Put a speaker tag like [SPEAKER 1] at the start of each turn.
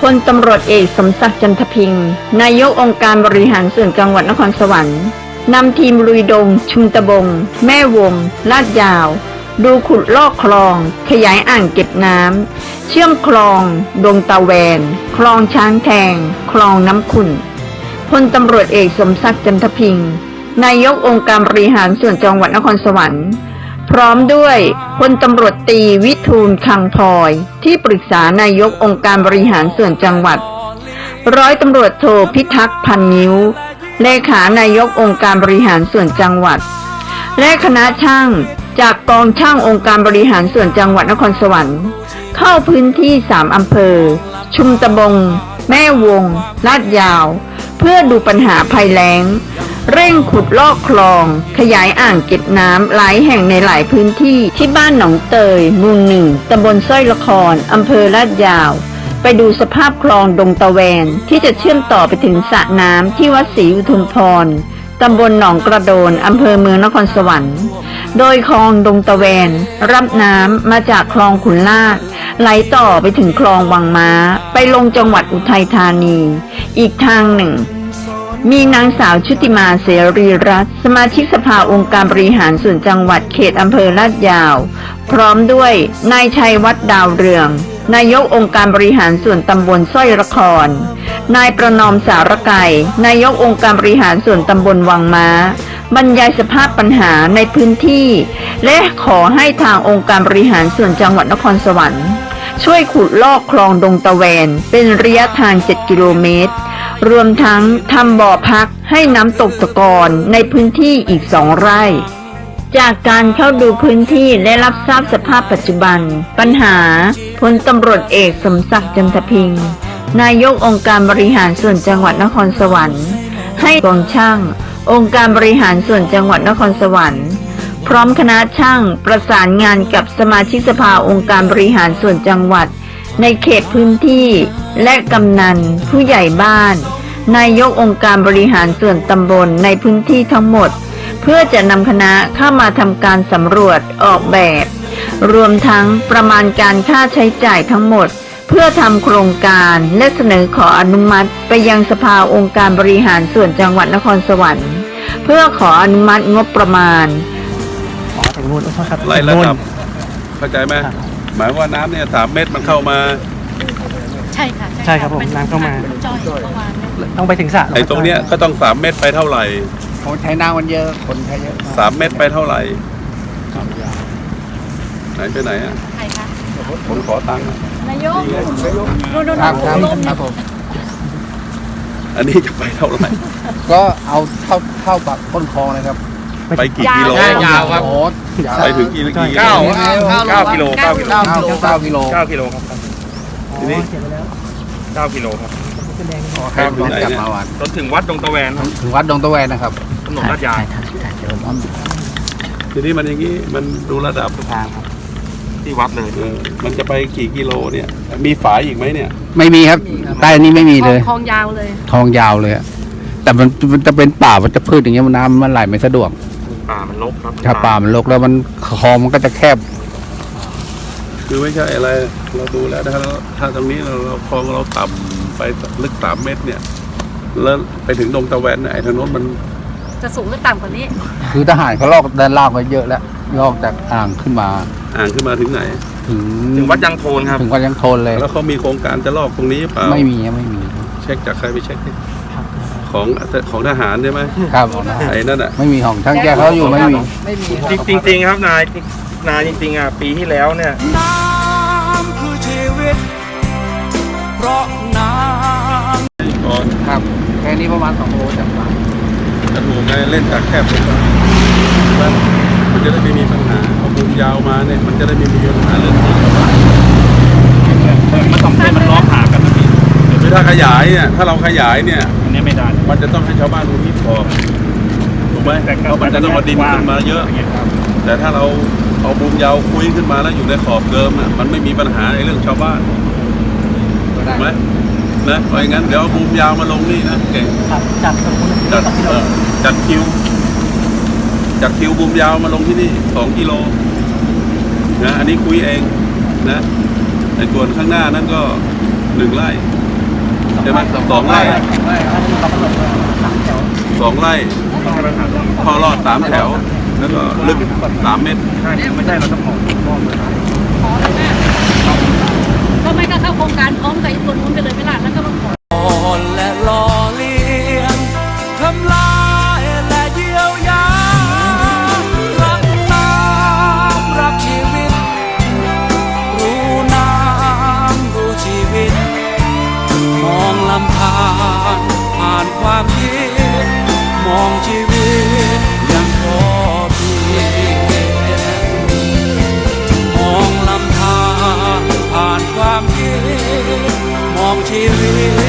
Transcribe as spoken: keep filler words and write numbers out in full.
[SPEAKER 1] ลตำรวจเอกสมศักดิ์จันทพิงค์นายกองค์การบริหารส่วนจังหวัดนครสวรรค์นำทีมลุยดงชุมตะบงแม่วงลาดยาวดูขุดลอกคลองขยายอ่างเก็บน้ำเชื่อมคลองดงตะแวนคลองช้างแทงคลองน้ำขุ่นพลตำรวจเอกสมศักดิ์จันทพิงค์นายกองค์การบริหารส่วนจังหวัดนครสวรรค์พร้อมด้วยพลตำรวจตรีวิทูลคังพลอยที่ปรึกษานายกองค์การบริหารส่วนจังหวัดร้อยตำรวจโทพิทักษ์พันนิ้วเลขานายกองค์การบริหารส่วนจังหวัดและคณะช่างจากกองช่างองค์การบริหารส่วนจังหวัดนครสวรรค์เข้าพื้นที่สามอำเภอชุมตะบงแม่วงลาดยาวเพื่อดูปัญหาภัยแล้งเร่งขุดลอกคลองขยายอ่างเก็บน้ำหลายแห่งในหลายพื้นที่ที่บ้านหนองเตยหมู่หนึ่งตำบลสร้อยละครอำเภอลาดยาวไปดูสภาพคลองดงตะแวนที่จะเชื่อมต่อไปถึงสระน้ำที่วัดศรีอุทุมพรตำบลหนองกระโดนอำเภอเมืองนครสวรรค์โดยคลองดงตะแวนรับน้ำมาจากคลองขุนลาดไหลต่อไปถึงคลองวังม้าไปลงจังหวัดอุทัยธานีอีกทางหนึ่งมีนางสาวชุติมาเสรีรัตน์สมาชิกสภาองค์การบริหารส่วนจังหวัดเขตอำเภอลาดยาวพร้อมด้วยนายชัยวัฒน์ดาวเรืองนายกองค์การบริหารส่วนตำบลสร้อยละครนายประนอมสารไก่นายกองค์การบริหารส่วนตำบลวังม้าบรรยายสภาพปัญหาในพื้นที่และขอให้ทางองค์การบริหารส่วนจังหวัดนครสวรรค์ช่วยขุดลอกคลองดงตะแวนเป็นระยะทางเจ็ดกิโลเมตรรวมทั้งทำบ่อพักให้น้ำตกตะกอนในพื้นที่อีกสองไร่จากการเข้าดูพื้นที่และรับทราบสภาพปัจจุบันปัญหาพลตำรวจเอกสมศักดิ์จันทพิงค์นายกองค์การบริหารส่วนจังหวัดนครสวรรค์ให้กองช่างองค์การบริหารส่วนจังหวัดนครสวรรค์พร้อมคณะช่างประสานงานกับสมาชิกสภาองค์การบริหารส่วนจังหวัดในเขตพื้นที่และกำนันผู้ใหญ่บ้านนายกองค์การบริหารส่วนตำบลในพื้นที่ทั้งหมดเพื่อจะนำคณะเข้ามาทำการสำรวจออกแบบรวมทั้งประมาณการค่าใช้จ่ายทั้งหมดเพื่อทำโครงการและเสนอขออนุมัติไปยังสภาองค์การบริหารส่วนจังหวัดนครสวรรค์เพื่อขออนุมัติงบประมาณ
[SPEAKER 2] อ๋อถึงนู่นครับ
[SPEAKER 3] ไล่ระดับเข้าใจไหมหมายว่าน้ำเนี่ยสามเมตรมันเข้ามา
[SPEAKER 4] ใช่ค่ะ
[SPEAKER 2] ใช่ครับผมน้ำเข้ามา
[SPEAKER 4] จอยเข้ามา
[SPEAKER 2] ต้องไปถึงสระ
[SPEAKER 3] ไอ้ตรงเนี้ยก็ต้องสามเมตรไปเท่าไหร่
[SPEAKER 5] คนใช้น้ำมันเยอะคนใช้เยอะ
[SPEAKER 3] สามเมตรไปเท่าไหร่ไหนไปไหนอ่ะ
[SPEAKER 4] ใครคะ
[SPEAKER 3] ผมขอตังค์
[SPEAKER 4] นายกดูดู
[SPEAKER 5] ครับครับผม
[SPEAKER 3] อันนี้จะไปเท่าไหร่
[SPEAKER 5] ก็เอาเท่าเท่ากับต้นคลองเลยครับ
[SPEAKER 3] ไปกี่กิโล
[SPEAKER 5] ยาวครับ
[SPEAKER 3] ไปถึงกี่กี่
[SPEAKER 5] เก้า
[SPEAKER 2] เก้ากิโลเก้ากิโล
[SPEAKER 5] เก้ากิโลเก้ากิโล
[SPEAKER 2] เก้ากิโลครับ
[SPEAKER 3] ทีนี้
[SPEAKER 2] เก้ากิโลครับ
[SPEAKER 3] ครับถึงไหนเนี่ย
[SPEAKER 2] จนถึงวัดดงตะแวน
[SPEAKER 5] ถึงวัดดงตะแวนนะครับ
[SPEAKER 2] ถนนลาดยาว
[SPEAKER 3] ทีนี้มันอย่างนี้มันดูระดับ
[SPEAKER 2] ทางครับที่วัดเลย
[SPEAKER 3] มันจะไปกี่กิโลเนี่ยมีฝายอีกไหมเนี่ย
[SPEAKER 5] ไม่มีครับใต้นี้ไม่มีเลย
[SPEAKER 4] คลองยาวเลย
[SPEAKER 5] คลองยาวเลยแต่มันมันจะเป็นป่ามันจะพืชอย่างเงี้ยมันน้ำมันไหลไม่สะดวก
[SPEAKER 2] ป่ามันรกครับ
[SPEAKER 5] ถ้าป่ามันรกแล้วมันคลองมันก็จะแคบ
[SPEAKER 3] คือไม่ใช่อะไรเราดูแล้วถ้าถ้าตรงนี้เราเราคลองเราต่ำไปลึกสามเมตรเนี่ยแล้วไปถึงดงตะแวนไอ้ทางโน้นมัน
[SPEAKER 4] จะสูงหรือต่ำกว่านี้
[SPEAKER 5] คือทหารเขาลอกด้านล่างไว้เยอะแล้วลอกจากอ่างขึ้นมา
[SPEAKER 3] อ่างขึ้นมาถึงไหน
[SPEAKER 5] ถึง
[SPEAKER 2] ถึงวัดยังโทนครับ
[SPEAKER 5] ถึงวัดยังโทนเลย
[SPEAKER 3] แล้วเขามีโครงการจะลอกตรงนี้เปล่า
[SPEAKER 5] ไม่มีไม่มี
[SPEAKER 3] เช็คจากใครไปเช็คของของทหารใช่ไหม
[SPEAKER 5] ครับ
[SPEAKER 3] ไอ้นั่นอ่ะ
[SPEAKER 5] ไม่มีของช่างแก้เขาอยู่ไม่มี
[SPEAKER 2] จริงจริงครับนายนายจริงๆอ่ะปีที่แล้วเนี่ยน้ำคือชีวิต
[SPEAKER 5] เพราะน้ำก่อนครับแค่นี้ประมาณสองโลจากบ้าน
[SPEAKER 3] จะถูกไงเล่นจากแคบลงมามันจะได้ไม่มีปัญหาเอามุมยาวมาเนี่ยมันจะได้ไม่มีปัญหาเรื่องนี้
[SPEAKER 2] มันต้องเป็นมันล้อผ่ากันนะพี่
[SPEAKER 3] คือถ้าขยายเนี่ยถ้าเราขยายเนี่ย
[SPEAKER 2] อันนี้ไม่ได้
[SPEAKER 3] มันจะต้องให้ชาวบ้านรู้ที่พอถูกไหมเพราะมันจะต้องมาดินขึ้นมาเยอะแต่ถ้าเราเอามุมยาวคุยขึ้นมาแล้วอยู่ในขอบเดิมอ่ะมันไม่มีปัญหาในเรื่องชาวบ้านถูกไหมนะเพราะงั้นเดี๋ยวเอามุมยาวมาลงนี่นะเก่ง
[SPEAKER 2] จัด
[SPEAKER 3] จัดเออจัดคิวจัดคิวมุมยาวมาลงที่นี่สองกิโลนะอันนี้คุยเองนะในส่วนข้างหน้านั้นก็หนึ่งไร่ใช่ไหมสองไร่สองไร่พอรอดสามแถว แล้วก็ลึกสามเมตร
[SPEAKER 2] ใช่ไม่ใช่เราต้องขอมอบเลยนะ
[SPEAKER 4] ขอเลยแม่ก็ไม่ก็เข้าโครงการพร้อมกับอีกคนนู้นไปเลยไม่ล่ะแล้วก็มาขอ
[SPEAKER 5] และหล่อเลี้ยงทำลายและเยียวยารักน้ำรักชีวิตรู้น้ำรู้ชีวิตมองลำธารผ่านความคิดมองชีวิตอย่างพอเพียงมองลำธารผ่านความคิดมองชีวิต